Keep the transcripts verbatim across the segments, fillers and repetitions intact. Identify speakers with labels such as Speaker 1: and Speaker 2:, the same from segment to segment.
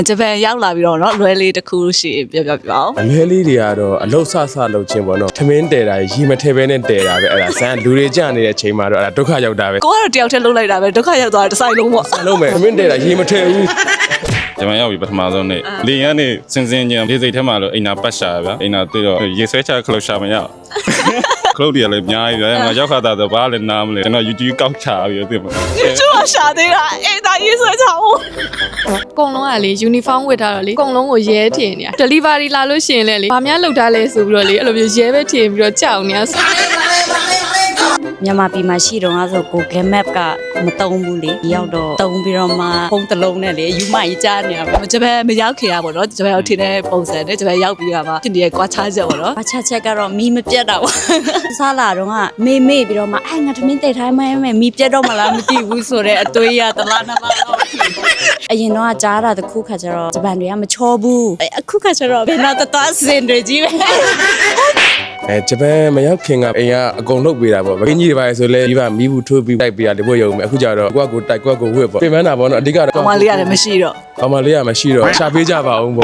Speaker 1: ဂျပန်ရောက်လာပြီးတော့เนาะလွယ်လေးတစ်ခုရှိပြောပြပြအောင်
Speaker 2: အလွဲလေးတွေကတော့အလုတ်ဆဆလုပ်ခြင်းပေါ့နော်ထမင်းတဲတာရီမထဲပဲနဲ့တဲတာပဲအဲ့ဒါဇန်လူတွေကြနေတဲ့ချိန်မှာတော့အဲ့ဒါဒုက္ခရောက်တာပဲ
Speaker 1: ကိုကတော့တယောက်တည်းလှုပ်လိုက်တာပဲဒုက္ခရောက်သွားတဲ့တစ်ဆိုင်လုံးပေါ့
Speaker 2: ဆန်လုံးမယ်ထမင်းတဲတာရီမထဲဘူး
Speaker 3: ကျွန်မရောက်ပြီပထမဆုံးနေ့လေရန်နေစင်စင်ချင်းလေးစိတ်ထဲမှာလို့အိမ်နာပတ်ရှာဗျာအိမ်နာတွေ့တော့ရေဆွဲချခလုတ်ရှာမရခလုတ်တွေလည်းအများကြီးဗျာငါရောက်ခါတာဆိုဘာလဲနားမလဲကျွန်တော် YouTube ကောက်ချပြီးသိမှာ
Speaker 1: YouTube ကရှာသေးတာအေးဒါရေးဆွဲချအောင်
Speaker 4: အကုန်လုံးကလေ uniform ဝတ်ထားတော့လေအကုန်လုံးကိုရဲထင်နေတာ delivery လာလို့ရှိရင်လည်းလေဘာများလုပ်ထားလဲဆိုပြီးတော့လေအဲ့လိုမျိုးရဲပဲထင်ပြီးတော့ကြောက်နေတာ
Speaker 5: မြန်မာပြည်မှာရှိတော့ငါဆို Google Map ကမတုံးဘူးလေရောက်တော့တုံးပြီးတော့မှဖုန်းတစ်လုံးနဲ့လေယူမကြီးကြားနေရပါ
Speaker 1: ဂျပန်မရောက်ခင်ရပါတော့ဂျပန်ရောက်ထင်းတဲ့ပုံစံနဲ့ဂျပန်ရောက်ပြီးတော့မှဖြစ်နေတဲ့ကွာခြားချက်ပေါ့နော်
Speaker 5: ဘာချက်ချက်ကတော့မီးမပြတ်တော့စားလာတော့ကမေ့မေ့ပြီးတော့မှအဲငါသမင်းတိတ်ထားမှမဲမီးပြတ်တော့မလားမသိဘူးဆိုတော့အတွေးရတလားနမတော့အရင်တော့ကြားတာတခုခါကျတော့ဂျပန်တွေကမချောဘူးအခုခါကျတော့ဘယ်တော့တတော်စင်တွေကြီးပဲ
Speaker 2: အဲဂျပန်မရောက်ခင်ကအိမ်ကအကုန်လုပ်ပေးတာပေါ့မင်းကြီးတွေပါဆိုလဲဒီကမီးဘူးထိုးပြီးတိုက်ပေးရတယ်ဘို့ရုံမယ်အခုကျတော့ကိုကကိုတိုက်ကိုကကိုဝှက်ပေါ့ပြင်ပန်းတာပေါ့နော်အဓိကတော့
Speaker 1: ကောင်မလေးရတယ်မရှိတော့
Speaker 2: ကောင်မလေးကမရှိတော့ရှာပေးကြပါအောင်ပေါ့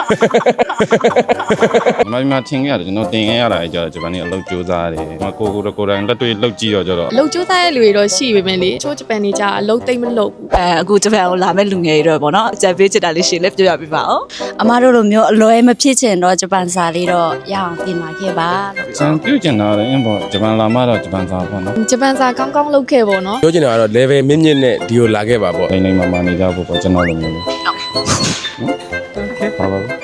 Speaker 3: မမထင်ခဲ့ရတယ်ကျွန်တော်တင်ခဲ့ရတာကြတော့ဂျပန်နေအလုပ်ကြိုးစားတယ်မကိုကိုကိုတိုင်းလက်တွေ့လုပ်ကြည့်တော့ကြတော့
Speaker 4: အလုပ်ကြိုးစားတဲ့လူတွေတော့ရှိပေမဲ့လေချိုးဂျပန်နေကြအလုပ်သိမ့်မလုပ်ဘူး
Speaker 1: အဲအခုဂျပန်ကိုလာမဲ့လူငယ်တွေတော့ပေါ့နော်အကြံပေးချစ်တာလေးရှင်းလေးပြောပြပေးပါဦး
Speaker 5: အမတို့လိုမျိုးအလွယ်မဖြစ်ချင်တော့ဂျပန်စာလေးတော့ရအောင်ပြင်လာခဲ့ပါလို့
Speaker 3: စံပြုတ်ကျင်တာလည်းအင်းပေါ့ဂျပန်လာမှတော့ဂျပန်စာပေါ့နော်
Speaker 4: ဂျပန်စာကောင်းကောင်းလုပ်ခဲ့ပေါ့နော်
Speaker 2: ပြောချင်တာကတော့ level မြင့်မြင့်နဲ့ဒီကိုလာခဲ့ပါပေါ့
Speaker 3: နေနေမှမှနေကြဖို့ပေါ့ကျွန်တော်လိုမျိုးလေးဟုတ်ပါဘူး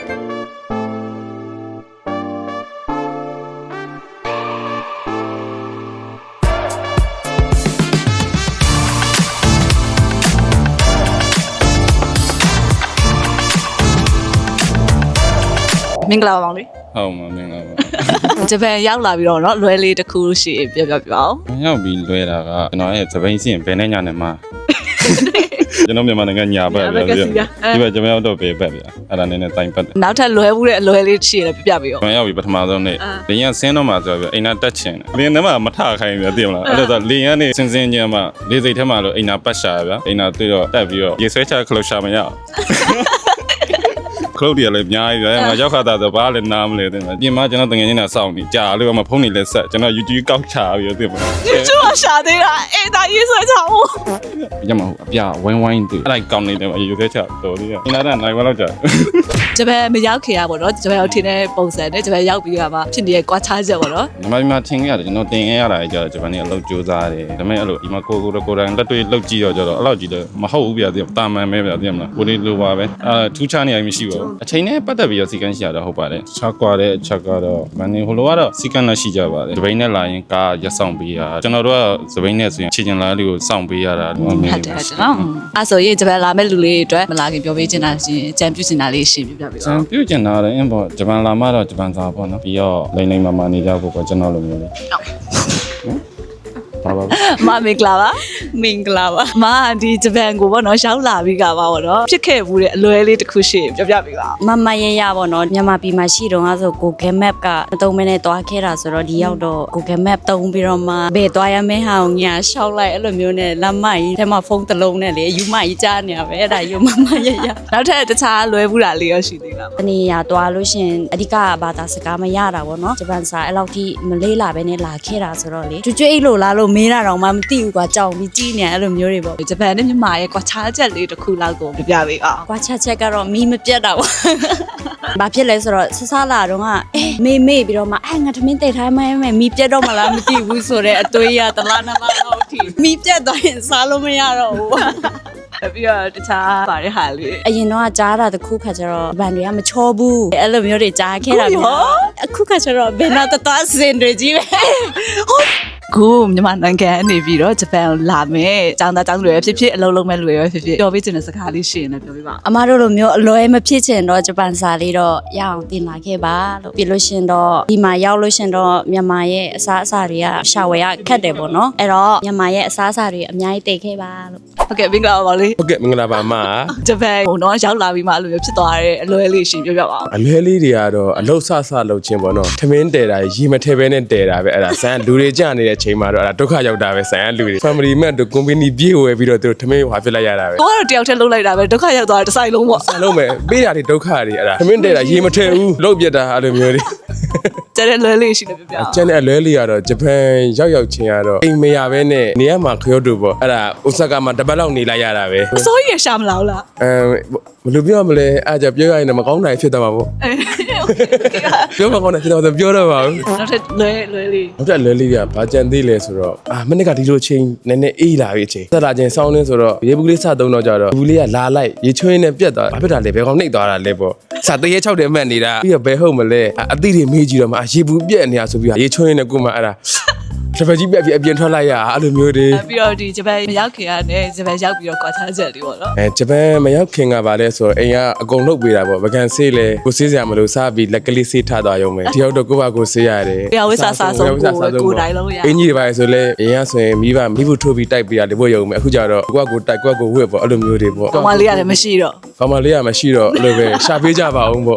Speaker 1: မင်္ဂလာပါမောင်လေး
Speaker 3: ဟုတ်မှာမင်္ဂလာပါ
Speaker 1: ဂျပန်ရောက်လာပြီးတော့เนาะလွယ်လေးတစ်ခုရှိပြောပြပြအောင်
Speaker 3: ရောက်ပြီးလွဲတာကကျွန်တော်ရဲ့သပိန်စီရင်ဘယ်နဲ့ညာနဲ့မှာကျွန်တော်မြန်မာနိုင်ငံညာဘက်ဗျာဒီဘက်ကျွန်တော်ရောက်တော့ဘယ်ဘက်ဗျာအဲ့ဒါနည်းနည်းတိုင်ပတ်တယ်
Speaker 1: နောက်ထပ်လွယ်ဘူးတဲ့အလွယ်လေးရှိရင်ပြပြပေးအောင်
Speaker 3: ကျွန်တော်ရောက်ပြီးပထမဆုံးနေ့လေရင်ဆင်းတော့မှဆိုတော့အိမ်နာတက်ချင်တယ်လေရင်ထဲမှာမထခိုင်းဗျာသိမလားအဲ့ဒါဆိုလေရင်နေစင်စင်ချင်းမှလေစိတ်ထဲမှာလို့အိမ်နာပတ်ရှာဗျာအိမ်နာတွေ့တော့တက်ပြီးတော့ရေဆွဲချခလုတ်ရှာမရခလုတ်တွေလည်းအများကြီးဗျာငါရောက်ခါတာဆိုဘာလဲနားမလဲသိမလားပြင်မကျွန်တော်တငယ်ချင်းနဲ့စောင့်နေကြာလို့မှဖုန်းနေလဲဆက်ကျွန်တော် YouTube ကောက်ချပြီးသိမလား
Speaker 1: YouTube ကရှာသေးတာအေးဒါရေးဆွဲချအောင်
Speaker 3: ညမဟုတ်အပြဝိုင်းဝိုင်းတွေ့အဲ့ဒါကောင်းနေတယ်ရေဆွဲချတော်လေးအင်းလာတဲ့နိုင်ဝလောက်ကြာ
Speaker 1: ဂျပန်မရောက်ခင်ရပါတော့ဂျပန်ရောက်ထင်းတဲ့ပုံစံနဲ့ဂျပန်ရောက်ပြီးတော့မှဖြစ်နေတဲ့ကွာခြားချက်ပေါ့နော်
Speaker 3: မမမထင်ခဲ့ရတယ်ကျွန်တော်တင်ခဲ့ရတာကြတော့ဂျပန်နေအလုပ်ကြိုးစားတယ်ဒါပေမဲ့အဲ့လိုဒီမှာကိုကိုကိုတိုင်းလက်တွေ့လုပ်ကြည့်တော့ကြတော့အဲ့လောက်ကြည့်တော့မဟုတ်ဘူးဗျာဒီတာမန်ပဲဗျာသိမလားကိုလေးလိုပါပဲအာထူးခြားနေရမရှိပါဘူးအချိန်နဲ့ပတ်သက်ပြီးတော့စီကန်းရှိရတော့ဟုတ်ပါတယ်ခြားကွာတဲ့အချက်ကတော့မန်နေဟိုလိုကတော့စီကန်းလည်းရှိကြပါတယ်ဒီဘိန်းနဲ့လာရင်ကားရက်ဆောင်ပေးရကျွန်တော်တို့ကသဘိန်းနဲ့ဆိုရင်ခြေကျင်လာလေးကိုစောင့်ပေးရတာဟုတ်တယ်
Speaker 1: ဟုတ်တယ်နော်အဲ့ဆိုရင်ဂျပန်လာမဲ့လူလေးတွေအတွက်မလာခင်ပြောပေးချင်တာရှင်အကြံပြုချင်တာလေးရှင်းပြပြပေး
Speaker 3: စံ
Speaker 1: ပါ
Speaker 3: ပြုတ်ကျင်တာလည်းအင်းပေါ့ဂျပန်လာမှတော့ဂျပန်စာပေါ့နော်ပြီးတော့လိမ့်လိမ့်မာမာနေကြဖို့ပေါ့ကျွန်တော်လိုမျိုးလေးပါပါ
Speaker 1: မမင်္ဂလာပါ
Speaker 5: မင်္ဂလာပါ
Speaker 1: မဒီဂျပန်ကိုပေါ့နော်ရောက်လာပြီးကပါပေါ့နော်ဖြစ်ခဲ့ဘူးတဲ့အလွယ်လေးတစ်ခုရှိပြောပြပေးပါ
Speaker 5: မမရရပေါ့နော်မြန်မာပြည်မှာရှိတော့ငါဆို Google Map ကမတုံးမနဲ့တွားခဲ့တာဆိုတော့ဒီရောက်တော့ Google Map တုံးပြီးတော့မှဘယ်တွားရမဲဟာကိုညာရှောက်လိုက်အဲ့လိုမျိုးနဲ့လမ်းမကြီးထဲမှာဖုန်းတစ်လုံးနဲ့လေယူမကြီးကြားနေရပဲအဲ့ဒါယူမမရရ
Speaker 1: နောက်ထပ်တခြားလွယ်ဘူးတာလေးရရှိသေးလား
Speaker 5: တနေရတွားလို့ရှင်အဓိကဘာသာစကားမရတာပေါ့နော်ဂျပန်စာအဲ့လောက်ထိမလေးလာပဲနဲ့လာခဲ့တာဆိုတော့လေကျွကျွအိတ်လို့လားလို့မေးတာတော့မှမသိဘူးကွာကြောင်ပြီးကြီးနေအဲ့လိုမျိုးတွေပေါ့
Speaker 1: ဂျပန်နဲ့မြန်မာရဲ့ကွာခြားချက်လေးတစ်ခုလောက်ကိုပြပြပေးအောင်
Speaker 5: ကွာချက်ချက်ကတော့မီးမပြတ်တာပေါ့ဘာဖြစ်လဲဆိုတော့ဆဆလာတော့ကအဲမေ့မေ့ပြီးတော့မှအဲငါသမင်းတိတ်ထားမှမဲမီးပြတ်တော့မလားမသိဘူးဆိုတော့အတွေးရတလားနမတော့ထီမီးပြတ်သွားရင်စားလို့မရတော့ဘူး
Speaker 1: ပြီးတော့တခြားပါတဲ့ဟာလေး
Speaker 5: အရင်တော့ကြားတာတခုခါကျတော့ဗန်တွေကမချောဘူးအဲ့လိုမျိုးတွေကြားခဲ့တာမျိုးအခုခါကျတော့ဘယ်တော့တတော်စင်တွေကြီးပဲ
Speaker 1: ကိုမြန်မာနိုင်ငံအနေပြီးတော့ဂျပန်ကိုလာမယ်ចောင်းသားចောင်းတွေဖြစ်ဖြစ်အလုံးလုံးမဲ့လူတွေဖြစ်ဖြစ်ပြောပေးချင်တဲ့စကားလေးရှိရင်လည်းပြောပြပါ
Speaker 5: အမတို့လိုမျိုးအလွယ်မဖြစ်ချင်တော့ဂျပန်စာလေးတော့ရအောင်တင်လာခဲ့ပါလို့ပြီးလို့ရှင်တော့ဒီမှာရောက်လို့ရှင်တော့မြန်မာရဲ့အစားအစာတွေကရှာဝယ်ရခက်တယ်ပေါ့နော်အဲ့တော့မြန်မာရဲ့အစားအစာတွေအများကြီးတိတ်ခဲ့ပါလို့
Speaker 1: ဟုတ်ကဲ့မင်္ဂလာပါပါလေး
Speaker 2: ဟုတ်ကဲ့မင်္ဂလာပါအမ
Speaker 1: ဂျပန်ဟိုတော့ရောက်လာပြီးမှအဲ့လိုမျိုးဖြစ်သွားတဲ့အလွယ်လေးရှင်ပြောပြပါဦး
Speaker 2: အလွဲလေးတွေကတော့အလုတ်ဆဆလုပ်ခြင်းပေါ့နော်ထမင်းတဲတာရီမထဲပဲနဲ့တဲတာပဲအဲ့ဒါဇန်လူတွေကြနေတဲ့ချိန်မှာတော့အဲ့ဒါဒုက္ခရောက်တာပဲဆိုင်ရလူတွေ family မဲ့တို့ company ပြေးဝယ်ပြီးတော့သူတို့ထမင်းဟွာဖြစ်လိုက်ရတာပဲ
Speaker 1: ကိုကတော့တယောက်တည်းလှုပ်လိုက်တာပဲဒုက္ခရောက်သွားတဲ့ဆိုင်လုံးပေါ့
Speaker 2: ဆန်လုံးမဲ့ပေးတာတွေဒုက္ခတွေအဲ့ဒါထမင်းတဲ့တာရေမထဲဘူးလုတ်ပြက်တာအဲ့လိုမျိုးတွေ
Speaker 1: ကျတဲ့လွဲလေးရှိတယ်ပြပြ
Speaker 2: ကျန်တဲ့အလွဲလေးကတော့ဂျပန်ရောက်ရောက်ချင်းကတော့အိမ်မရဘဲနဲ့နေရာမှာခရော့တူပေါ့အဲ့ဒါအိုဆာကာမှာတပတ်လောက်နေလိုက်ရတာပဲ
Speaker 1: အစိုးရရှာမလားလား
Speaker 2: အဲဘယ်လိုပြောမလဲအားကြပြောရရင်မကောင်းတာဖြစ်သွားမှာပေါ့ပြောမကောင်းတာဖြစ်သွားတော့ပြောတော့ပါဘူး
Speaker 1: နောက်ထပ်လွဲလွဲလေး
Speaker 2: နောက်ထပ်လွဲလေးကဘာကြံသေးလဲဆိုတော့အာမနေ့ကဒီလိုချင်းနည်းနည်းအေးလာပြီအချိန်သက်လာချင်းစောင်းနေဆိုတော့ရေဘူးလေးစသုံးတော့ကြတော့ဘူးလေးကလာလိုက်ရေချွေးနဲ့ပြက်သွားဘာဖြစ်တာလဲဘယ်ကောင်နှိပ်သွားတာလဲပေါ့စတရေ၆တယ်မှတ်နေတာပြီးတော့ဘယ်ဟုတ်မလဲအသီးတွေမေးကြည့်တော့မှရေဘူးပြက်နေတာဆိုပြီးရေချွေးနဲ့ကိုမှအဲ့ဒါတပည့်ကြီးပြက်ပြီးအပြင်ထွက်လိုက်ရအဲ့လိုမျိုးတွေ
Speaker 1: ပြီးတော့ဒီဂျပန်မရောက်ခင်ကနေဂျပန်ရောက်ပြီးတော့ကွာခြားချက်လေးပေါ့နော်
Speaker 2: အဲဂျပန်မရောက်ခင်ကပါလဲဆိုတော့အိမ်ကအကုန်လုပ်ပေးတာပေါ့ဗကန်ဆေးလဲကိုဆေးစရာမလိုစားပြီးလက်ကလေးဆေးထားသွားရုံပဲတယောက်တော့ကိုယ့်ဘာကိုဆေးရတယ်
Speaker 1: ပြဝိစာစာဆုံးကိုကိုတိုင်းလုံးရ
Speaker 2: အင်ကြီးတွေပါဆိုလဲအရင်ကဆိုရင်မိဘမိဖို့ထိုးပြီးတိုက်ပေးရတယ်ဖို့ရုံပဲအခုကျတော့ကိုယ့်ကိုတိုက်ကိုယ့်ကိုဝှက်ပေါ့အဲ့လိုမျိုးတွေပေါ့
Speaker 1: ကောင်မလေးရတယ်မရှိတော့
Speaker 2: ကောင်မလေးကမရှိတော့အဲ့လိုပဲရှာပေးကြပါအောင်ပေါ့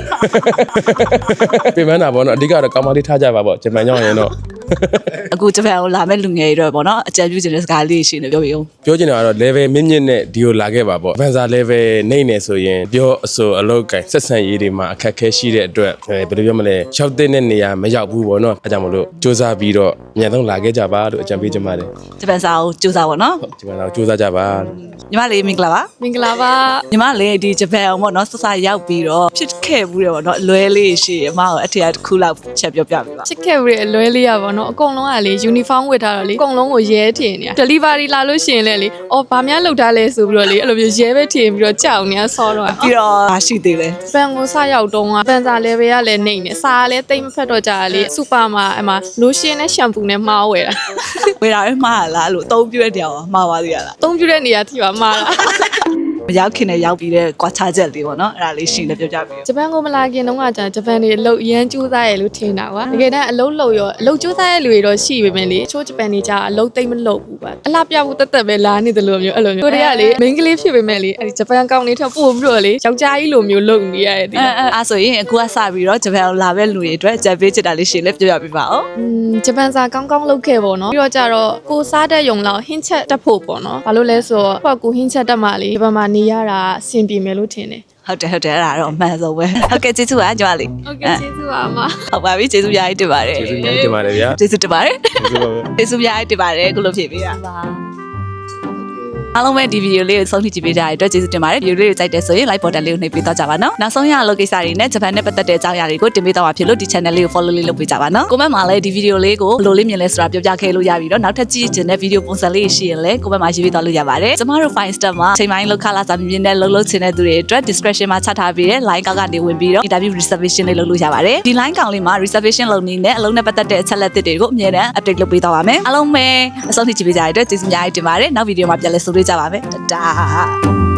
Speaker 2: ပြင်မနာပေါ့နော်အဓိကတော့ကောင်မလေးထားကြပါပေါ့ဂျပန်ရောက်ရင်တော့
Speaker 1: အခုဂျပန်ကိုလာမဲ့လူငယ်တွေတော့ပေါ့နော်အကြံပြုခြင်းတဲ့စကားလေးရှိနေပြောပြီးအောင်
Speaker 2: ပြောချင်တာကတော့ level မြင့်မြင့်နဲ့ဒီကိုလာခဲ့ပါပေါ့ Avanza level နှိမ့်နေဆိုရင်ပြောအဆိုအလောက်ကင်ဆက်ဆံရေးတွေမှာအခက်အခဲရှိတဲ့အတွက်ဘယ်လိုပြောမလဲရောက်တဲ့နေရာမရောက်ဘူးပေါ့နော်အဲကြောင့်မလို့စူးစမ်းပြီးတော့အမြန်ဆုံးလာခဲ့ကြပါလို့အကြံပေးချင်ပါတယ်
Speaker 1: ဂျပန်စာကိုကြိုးစားပါနော်
Speaker 2: ဒီမှာတော့စူးစမ်းကြပါ
Speaker 1: ညီမလေးမင်္ဂလာပါ
Speaker 4: မင်္ဂလာပါ
Speaker 1: ညီမလေးဒီဂျပန်အောင်ပေါ့နော်ဆဆရောက်ပြီးတော့ဖြစ်ခဲ့ဘူးတယ်ပေါ့နော်အလွဲလေးရှိအမကိုအထက်တစ်ခုလောက်ချက်ပြောပြပေးပါ
Speaker 4: ချစ်ခဲ့ပြီးအလွဲလေးရပါတော့အကုန်လုံးကလေ uniform ဝတ်ထားတော့လေအကုန်လုံးကိုရဲထင်နေတာ delivery လာလို့ရှိရင်လည်းလေအော်ဘာများလောက်ထားလဲဆိုပြီးတော့လေအဲ့လိုမျိုးရဲပဲထင်ပြီးတော့ကြောက်နေတာဆောတော့
Speaker 1: ပြီးတော့ရှိသေးတယ်
Speaker 4: ပန်ကိုစရောက်တော့ကပန်စာ level ကလည်းနေနေစာကလည်းတိတ်မဖက်တော့ကြတာလေစူပါမှာအမ lotion နဲ့ shampoo နဲ့မှားဝယ်တာ
Speaker 1: ဝေတာပဲမှားလားလို့အသုံးပြတဲ့တရားမှားပါသေးရလား
Speaker 4: အသုံးပြုတဲ့နေရာထိပါမှားတာ
Speaker 1: မရောက်ခင်နဲ့ရောက်ပြီးတဲ့ကွာခြားချက်လေးပေါ့နော်အဲ့ဒါလေးရှိနေပြောပြပေး
Speaker 4: ဂျပန်ကိုမလာခင်တုန်းကကြာဂျပန်တွေအလုပ်အရန်ကြိုးစားရလို့ထင်တာကွာတကယ်တမ်းအလုပ်လုပ်ရောအလုပ်ကြိုးစားရလူတွေတော့ရှိပေမဲ့လေချိုးဂျပန်တွေကြာအလုပ်သိမ့်မလုပ်ဘူးပါအလားပြဖို့တက်တက်ပဲလာနေတယ်လို့မျိုးအဲ့လိုမျိုးကိုတွေကလေမိန်းကလေးဖြစ်ပေမဲ့လေအဲ့ဒီဂျပန်ကောင်လေးထပ်ပို့ပြီးတော့လေယောက်ျားကြီးလိုမျိုးလုပ်နေရတယ်ဒီ
Speaker 1: အဲအဲအဲ့ဆိုရင်အခုကစပြီးတော့ဂျပန်ကိုလာမဲ့လူတွေအတွက်ဂျပန်ချစ်တာလေးရှိလဲပြောပြပေးပါဦး
Speaker 4: อืมဂျပန်စာကောင်းကောင်းလုပ်ခဲ့ပေါ့နော်ပြီးတော့ကြတော့ကိုစားတဲ့ယုံလောက်ဟင်းချက်တက်ဖို့ပေါ့နော်ဘာလို့လဲဆိုတော့ကိုကကိုဟင်းချက်တက်မှလေဂျပန်မှာနေရတာအဆင်ပြေမယ်လို့ထင်တယ်
Speaker 1: ဟုတ်တယ်ဟုတ်တယ်အဲ့ဒါတော့အမှန်ဆုံးပဲဟုတ်ကဲ့ကျေးဇူးပါကြွားလေး
Speaker 4: ဟုတ်ကဲ့ကျေးဇူးပါအမ
Speaker 1: ဟုတ်ပါပြီကျေးဇူးများကြီးတင်ပါတယ်
Speaker 2: ကျေးဇူးများတင်ပါတယ်ဗျာ
Speaker 1: ကျေးဇူးတင်ပါတယ်
Speaker 2: ကျေးဇူးပါပဲ
Speaker 1: ကျေးဇူးများကြီးတင်ပါတယ်အခုလိုဖြည့်ပေးတာပါအားလုံးပဲဒီဗီဒီယိုလေးကိုဆုံးဖြတ်ကြည့်ပေးကြတဲ့အတွက်ကျေးဇူးတင်ပါတယ်ဗီဒီယိုလေးကိုကြိုက်တယ်ဆိုရင် like button လေးကိုနှိပ်ပေးတော့ကြပါနော်နောက်ဆုံးရအလုပ်ကိစ္စတွေနဲ့ဂျပန်နဲ့ပတ်သက်တဲ့အကြောင်းအရာတွေကိုတင်ပေးတော့မှာဖြစ်လို့ဒီ channel လေးကို follow လေးလုပ်ပေးကြပါနော် comment မှာလည်းဒီဗီဒီယိုလေးကိုဘယ်လိုလေးမြင်လဲဆိုတာပြောပြခဲ့လို့ရပြီတော့နောက်ထပ်ကြည့်ချင်တဲ့ဗီဒီယိုပုံစံလေးရှိရင်လည်း comment မှာရေးပေးတော့လို့ရပါတယ်ကျမတို့ fine step မှာချိန်ပိုင်းလောက်ခလာစာမြင်တဲ့လှုပ်လှုပ်ချင်တဲ့သူတွေအတွက် description မှာချထားပေးတဲ့ line ကောက်ကနေဝင်ပြီးတော့ interview reservation လေးလုပ်လို့ရပါတယ်ဒီ line ကောင်လေးမှာ reservation လုပ်နေတဲ့အလုံးနဲ့ပတ်သက်တဲ့အချက်လက်တွေကိုအမြဲတမ်း update လုပ်ပေးတော့ပါမယ်အားလုံးပဲအဆုံးထိကြည့်ပေးကြတဲ့အတွက်ကျေးဇူးများကြီးတင်ပါတယ်နောက်ဗီဒီယိုမှာပြန်လည်ဆုံတွေ့ကြပါမယ်တဒါ